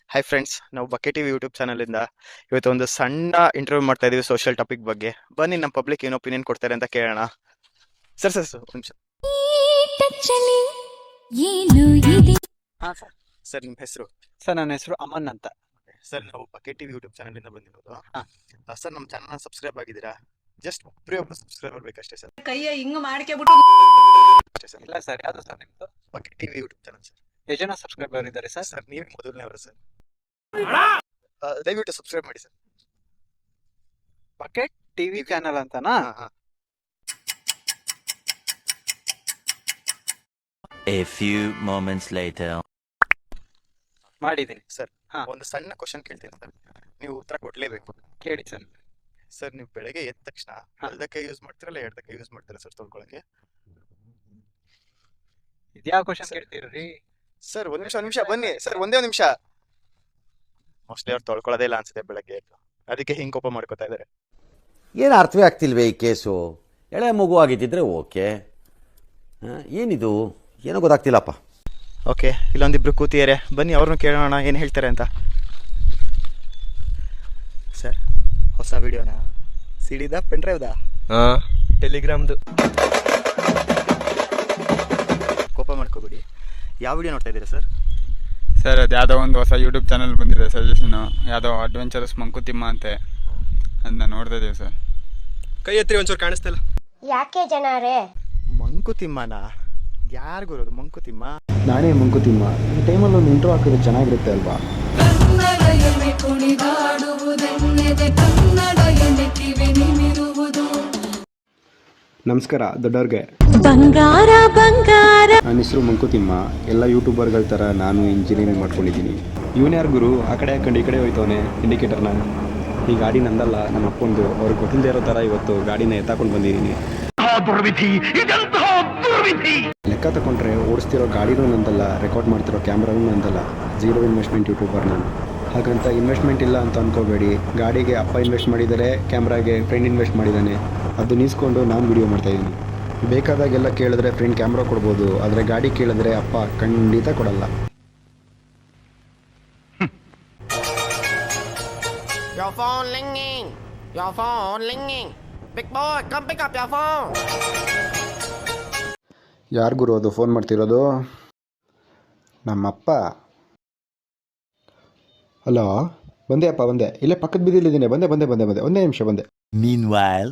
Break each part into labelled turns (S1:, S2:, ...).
S1: Hi friends, ನಾವು ಬಕೆ TV YouTube ಚಾನಲಿಂದ ಇವತ್ತು ಒಂದು ಸಣ್ಣ ಇಂಟರ್ವ್ಯೂ ಮಾಡ್ತಾ ಇದೀವಿ ಸೋಷಿಯಲ್ ಟಾಪಿಕ್ ಬಗ್ಗೆ. ಬನ್ನಿ ನಮ್ಮ ಪಬ್ಲಿಕ್ ಏನು ಒಪಿನಿಯನ್ ಕೊಡ್ತಾರೆ ಅಂತ ಕೇಳೋಣ. ಸರ್ ಒಂದು ನಿಮಿಷ.
S2: ಹಾಂ ಸರ್.
S1: ಸರ್ ನಿಮ್ಮ ಹೆಸರು?
S2: ಸರ್ ನನ್ನ ಹೆಸರು ಅಮನ್ ಅಂತ.
S1: ಸರ್ ನಾವು ಬಕೆ ಟಿವಿ ಯೂಟ್ಯೂಬ್ ಚಾನಲಿಂದ ಬಂದಿರೋದು.
S2: ಹಾಂ.
S1: ಸರ್ ನಮ್ಮ ಚಾನಲ್ನ ಸಬ್ಸ್ಕ್ರೈಬ್ ಆಗಿದ್ದೀರಾ? ಜಸ್ಟ್ ಒಬ್ಬರು ಸಬ್ಸ್ಕ್ರೈಬ್ ಆಗಬೇಕಷ್ಟೇ ಸರ್.
S3: ಕೈಯ ಹಿಂಗ್ ಮಾಡ್ಕೆಬಿಟ್ಟು
S1: ಅಷ್ಟೇ ಸರ್.
S2: ಇಲ್ಲ ಸರ್, ಯಾವುದು ಸರ್ ನಿಮ್ಮದು?
S1: Bucket TV YouTube channel sir.
S2: ಎಷ್ಟು ಜನ ಸಬ್ಸ್ಕ್ರೈಬರ್ ಇದ್ದಾರೆ ಸರ್?
S1: ಸರ್ ನೀವೇ ಮೊದಲನೇವರು ಸರ್. ದಯವಿಟ್ಟು ಸಬ್ಸ್ಕ್ರೈಬ್ ಮಾಡಿ ಸರ್.
S2: ಬಕೆಟ್ ಟಿವಿ ಚಾನಲ್ ಅಂತನಾ?
S1: ಹಾಂ.
S4: A few moments later.
S2: ಮಾಡಿದ್ದೀನಿ
S1: ಸರ್
S2: ಹಾಂ.
S1: ಒಂದು ಸಣ್ಣ ಕ್ವಶನ್ ಕೇಳ್ತೀನಿ ಸರ್, ನೀವು ಉತ್ತರ ಕೊಡ್ಲೇಬೇಕು.
S2: ಕೇಳಿ ಸರ್.
S1: ಸರ್ ನೀವು ಬೆಳಗ್ಗೆ ಎದ್ದ ತಕ್ಷಣ ಬಲದಕ್ಕೆ ಯೂಸ್ ಮಾಡ್ತೀರಲ್ಲ ಎಡದಕ್ಕೆ ಯೂಸ್ ಮಾಡ್ತೀರಾ ಸರ್ ತೊಳ್ಕೊಳಕ್ಕೆ?
S2: ಇದ್ಯಾವ ಕ್ವಶನ್ ಕೇಳ್ತೀರಿ?
S1: ಸರ್ ಒಂದ್ ನಿಮಿಷ ಬನ್ನಿ ಸರ್, ಒಂದೇ ಒಂದು ನಿಮಿಷ. ಮೋಸ್ಟ್ಲಿ ಅವ್ರು ತೊಳ್ಕೊಳ್ಳೋದೇ ಇಲ್ಲ ಅನ್ಸುತ್ತೆ ಬೆಳಗ್ಗೆ ಎದ್ದು, ಅದಕ್ಕೆ ಹಿಂಗ್ ಕೋಪ ಮಾಡ್ಕೋತಾ ಇದಾರೆ.
S5: ಏನು ಅರ್ಥವೇ ಆಗ್ತಿಲ್ವೇ ಈ ಕೇಸು? ಎಳೆ ಮಗು ಆಗಿದ್ದಿದ್ರೆ ಓಕೆ, ಏನಿದು ಏನೋ ಗೊತ್ತಾಗ್ತಿಲ್ಲಪ್ಪ.
S1: ಓಕೆ, ಇಲ್ಲೊಂದಿಬ್ರು ಕೂತಿದ್ದಾರೆ, ಬನ್ನಿ ಅವ್ರನ್ನ ಕೇಳೋಣ ಏನು ಹೇಳ್ತಾರೆ ಅಂತ. ಸರ್ ಹೊಸ ವಿಡಿಯೋನ ಸಿಡಿದ ಪೆನ್ ಡ್ರೈವ್ದ?
S6: ಟೆಲಿಗ್ರಾಮ್ದು.
S1: ಕೋಪ ಮಾಡ್ಕೋಬೇಡಿ. ಯಾವ ವಿಡಿಯೋ ನೋಡ್ತಾ ಇದ್ದೀರಾ ಸರ್?
S6: ಸರ್ ಅದು ಯಾವುದೋ ಒಂದು ಹೊಸ ಯೂಟ್ಯೂಬ್ ಚಾನಲ್ ಬಂದಿದೆ, ಸಜೆಷನು ಯಾವುದೋ ಅಡ್ವೆಂಚರಸ್ ಮಂಕುತಿಮ್ಮ ಅಂತೆ, ಅದನ್ನ ನೋಡ್ತಾ ಇದ್ದೀವಿ ಸರ್.
S7: ಕೈ ಎತ್ತಿ ಒಂಚೂರು ಕಾಣಿಸ್ತಾ ಇಲ್ಲ.
S8: ಯಾಕೆ ಜನರೇ?
S1: ಮಂಕುತಿಮ್ಮನ ಯಾರಿಗೂ ಇರೋದು ಮಂಕುತಿಮ್ಮ?
S9: ನಾನೇ ಮಂಕುತಿಮ್ಮ. ಈ ಟೈಮಲ್ಲಿ ಒಂದು ಇಂಟ್ರೋ ಹಾಕಿದ್ರೆ ಚೆನ್ನಾಗಿರುತ್ತೆ ಅಲ್ವಾ? ನಮಸ್ಕಾರ ದೊಡ್ಡವ್ರಿಗೆ.
S8: ಬಂಗಾರ ಬಂಗಾರ.
S9: ನನ್ನ ಹೆಸರು ಮಂಕುತಿಮ್ಮ. ಎಲ್ಲ ಯೂಟ್ಯೂಬರ್ಗಳ ಥರ ನಾನು ಇಂಜಿನಿಯರಿಂಗ್ ಮಾಡ್ಕೊಂಡಿದ್ದೀನಿ. ಇವನು ಯಾರು ಗುರು ಆ ಕಡೆ ಹಾಕೊಂಡು ಈ ಕಡೆ ಹೋಯ್ತವನೆ ಇಂಡಿಕೇಟರ್ನ? ಈ ಗಾಡಿ ನಂದಲ್ಲ, ನಮ್ಮ ಅಪ್ಪಂದು. ಅವ್ರಿಗೆ ಗೊತ್ತಿಲ್ಲದೆ ಇರೋ ಥರ ಇವತ್ತು ಗಾಡಿನ ಎತ್ತಾಕೊಂಡು ಬಂದಿದ್ದೀನಿ. ಲೆಕ್ಕ ತಗೊಂಡ್ರೆ ಓಡಿಸ್ತಿರೋ ಗಾಡಿನೂ ನಂದಲ್ಲ, ರೆಕಾರ್ಡ್ ಮಾಡ್ತಿರೋ ಕ್ಯಾಮ್ರಾನೂ ನಂದಲ್ಲ. ಝೀರೋ ಇನ್ವೆಸ್ಟ್ಮೆಂಟ್ ಯೂಟ್ಯೂಬರ್ ನಾನು. ಹಾಗಂತ ಇನ್ವೆಸ್ಟ್ಮೆಂಟ್ ಇಲ್ಲ ಅಂತ ಅಂದ್ಕೋಬೇಡಿ. ಗಾಡಿಗೆ ಅಪ್ಪ ಇನ್ವೆಸ್ಟ್ ಮಾಡಿದ್ದಾರೆ, ಕ್ಯಾಮ್ರಾಗೆ ಫ್ರೆಂಡ್ ಇನ್ವೆಸ್ಟ್ ಮಾಡಿದ್ದಾನೆ. ಅದು ನಿಲ್ಸ್ಕೊಂಡು ನಾನು ವಿಡಿಯೋ ಮಾಡ್ತಾಯಿದ್ದೀನಿ. ಬೇಕಾದಾಗೆಲ್ಲ ಕೇಳಿದ್ರೆ ಫ್ರೆಂಡ್ ಕ್ಯಾಮ್ರಾ ಕೊಡ್ಬೋದು, ಆದರೆ ಗಾಡಿ ಕೇಳಿದ್ರೆ ಅಪ್ಪ ಖಂಡಿತ ಕೊಡಲ್ಲ.
S3: Your phone ringing. Your phone ringing. Big boy, come pick up your phone.
S9: ಯಾರು ಗುರು ಅದು ಫೋನ್ ಮಾಡ್ತಿರೋದು? ನಮ್ಮಪ್ಪ. ಹಲೋ, ಬಂದೆ ಅಪ್ಪ ಬಂದೆ. ಇಲ್ಲೇ ಪಕ್ಕದ ಬೀದಿಲಿದ್ದೀನಿ. ಬಂದೆ ಒಂದೇ ನಿಮಿಷ ಬಂದೆ.
S4: Meanwhile.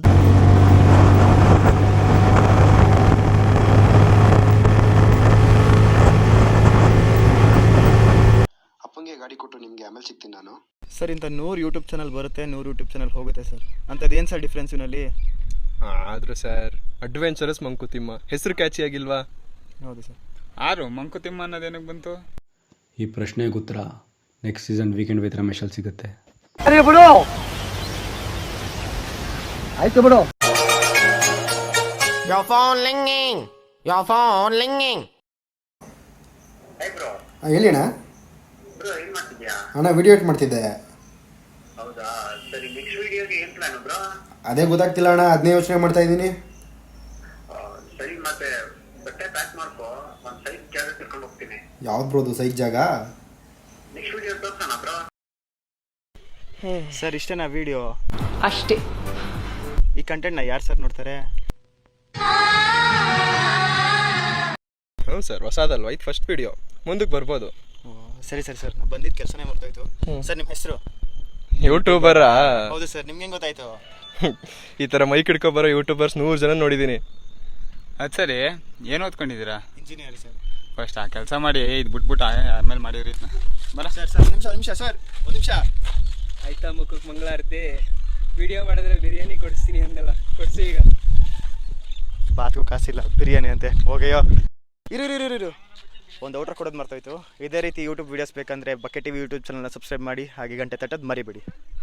S9: ಅಪ್ಪಂಗೆ ಗಾಡಿ ಕೊಟ್ಟು ನಿಮಗೆ ಆಮೇಲೆ ಸಿಗ್ತೀನಿ ನಾನು.
S1: ಸರ್ ಇಂಥ 100 ಯೂಟ್ಯೂಬ್ ಚಾನಲ್ ಬರುತ್ತೆ, 100 ಯೂಟ್ಯೂಬ್ ಚಾನಲ್ ಹೋಗುತ್ತೆ ಸರ್. ಅಂಥದ್ದು ಏನು ಸರ್ ಡಿಫ್ರೆನ್ಸ್ ಇವನಲ್ಲಿ?
S7: ಆದ್ರೂ ಸರ್ ಅಡ್ವೆಂಚರಸ್ ಮಂಕುತಿಮ್ಮ ಹೆಸರು ಕ್ಯಾಚಿ ಆಗಿಲ್ವಾ?
S1: ಹೌದು ಸರ್.
S6: ಆರು ಮಂಕುತಿಮ್ಮ ಅನ್ನೋದೇನಕ್ಕೆ ಬಂತು?
S9: ಈ ಪ್ರಶ್ನೆಗೆ ಉತ್ತರ ನೆಕ್ಸ್ಟ್ ಸೀಸನ್ ವೀಕೆಂಡ್ ವಿತ್ ರಮೇಶಲ್ಲಿ ಸಿಗುತ್ತೆ.
S2: ಆಯ್ತು ಬಿಡು.
S3: Your phone ringing. Your phone ringing.
S9: ಹೇಳಿ ಅಣ್ಣ. ಅಣ್ಣ ವಿಡಿಯೋ ಎಡಿಟ್ ಮಾಡ್ತಿದ್ದೆ. ಅದೇ ಗೊತ್ತಾಗ್ತಿಲ್ಲ ಅಣ್ಣ, ಅದನ್ನೇ ಯೋಚನೆ ಮಾಡ್ತಾ ಇದ್ದೀನಿ. ಯಾವ್ದು ಬ್ರೋದು ಸೈಜ್ ಜಾಗ?
S1: ಸರ್ ಇಷ್ಟೇನಾ ವಿಡಿಯೋ?
S3: ಅಷ್ಟೇ.
S1: ಈ ಕಂಟೆಂಟ್ನ ಯಾರು ಸರ್ ನೋಡ್ತಾರೆ?
S7: ಹ್ಞೂ ಸರ್, ಹೊಸದಲ್ವಾ ಇದು ಫಸ್ಟ್ ವಿಡಿಯೋ, ಮುಂದಕ್ಕೆ ಬರ್ಬೋದು.
S1: ಸರಿ ಸರ್ ನಾನು ಬಂದಿದ್ದ ಕೆಲಸನೇ ಮಾಡ್ತಾಯಿತ್ತು. ಸರ್ ನಿಮ್ಮ ಹೆಸರು?
S7: ಯೂಟ್ಯೂಬರಾ?
S1: ಹೌದು ಸರ್. ನಿಮ್ಗೆ ಹೆಂಗೆ ಗೊತ್ತಾಯ್ತು?
S7: ಈ ಥರ ಮೈಕ್ ಹಿಡ್ಕೊಬರೋ ಯೂಟ್ಯೂಬರ್ಸ್ 100 ಜನ ನೋಡಿದ್ದೀನಿ.
S6: ಅದು ಸರಿ, ಏನು ಓದ್ಕೊಂಡಿದ್ದೀರಾ?
S1: Engineer sir.
S6: ಫಸ್ಟ್ ಆ ಕೆಲಸ ಮಾಡಿ, ಇದು ಬಿಟ್ಬಿಟ್ಟು ಆಮೇಲೆ ಮಾಡಿದ್ರಿ ಬರ.
S1: ಸರ್ ಒಂದು ನಿಮಿಷ ಸರ್, ಒಂದು ನಿಮಿಷ.
S2: ಆಯ್ತಾ ಮುಖಕ್ಕೆ ಮಂಗಳಾರತಿ. ವಿಡಿಯೋ ಮಾಡಿದ್ರೆ ಬಿರಿಯಾನಿ ಕೊಡಿಸ್ತೀನಿ ಅಂದಲ್ಲ, ಕೊಡಿಸಿ ಈಗ.
S1: ಬಾತ್ಗೂ ಕಾಸಿಲ್ಲ, ಬಿರಿಯಾನಿ ಅಂತೆ. ಹೋಗಯ್ಯೋ, ಇರು ಒಂದು ಔಟ್ರ್ ಕೊಡೋದು ಮರ್ತೋಯ್ತು. ಇದೇ ರೀತಿ ಯೂಟ್ಯೂಬ್ ವೀಡಿಯೋಸ್ ಬೇಕಂದರೆ ಬಕೆ ಟಿವಿ ಯೂಟ್ಯೂಬ್ ಚಾನಲ್ನ ಸಬ್ಸ್ಕ್ರೈಬ್ ಮಾಡಿ, ಹಾಗೆ ಗಂಟೆ ತಟ್ಟೋದು ಮರಿಬೇಡಿ.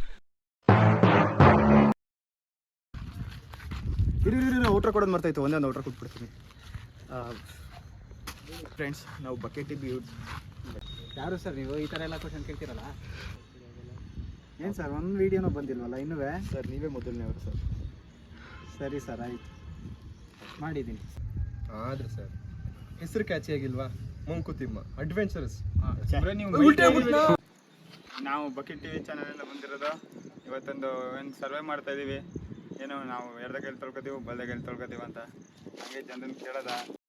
S1: ಇರು ಔಟ್ರ್ ಕೊಡೋದು ಮರ್ತೋಯ್ತು. ಒಂದೊಂದು ಔಟ್ರ್ ಕೊಟ್ಬಿಡ್ತೀನಿ. ಫ್ರೆಂಡ್ಸ್, ನಾವು ಬಕೆ ಟಿವಿ
S2: ಯಾರು ಸರ್ ನೀವು ಈ ಥರ ಎಲ್ಲ ಕ್ವಶನ್ ಕೇಳ್ತೀರಲ್ಲ?
S9: ಏನು ಸರ್ ಒಂದು ವೀಡಿಯೋನೂ ಬಂದಿಲ್ವಲ್ಲ ಇನ್ನೂ?
S1: ಸರ್ ನೀವೇ ಮೊದಲನೇವರು ಸರ್.
S9: ಸರಿ ಸರ್, ಆಯಿತು, ಮಾಡಿದ್ದೀನಿ.
S7: ಆದ್ರೆ ಸರ್ ಹೆಸರು ಕ್ಯಾಚಿ ಆಗಿಲ್ವಾ? ಮಂಕುತಿಮ್ಮ ಅಡ್ವೆಂಚರಸ್.
S6: ನಾವು ಬಕೆಟ್ ಟಿವಿ ಚಾನಲಿಂದ ಬಂದಿರೋದು. ಇವತ್ತೊಂದು ಏನು ಸರ್ವೆ ಮಾಡ್ತಾ ಇದ್ದೀವಿ. ಏನು ನಾವು ಎಡದ ಕೈಲಿ ತೊಳ್ಕೊತೀವಿ ಬಲದ ಕೈಲಿ ತೊಳ್ಕೊತೀವಿ ಅಂತ ಹಂಗೆ ಜನರನ್ನ ಕೇಳೋದ.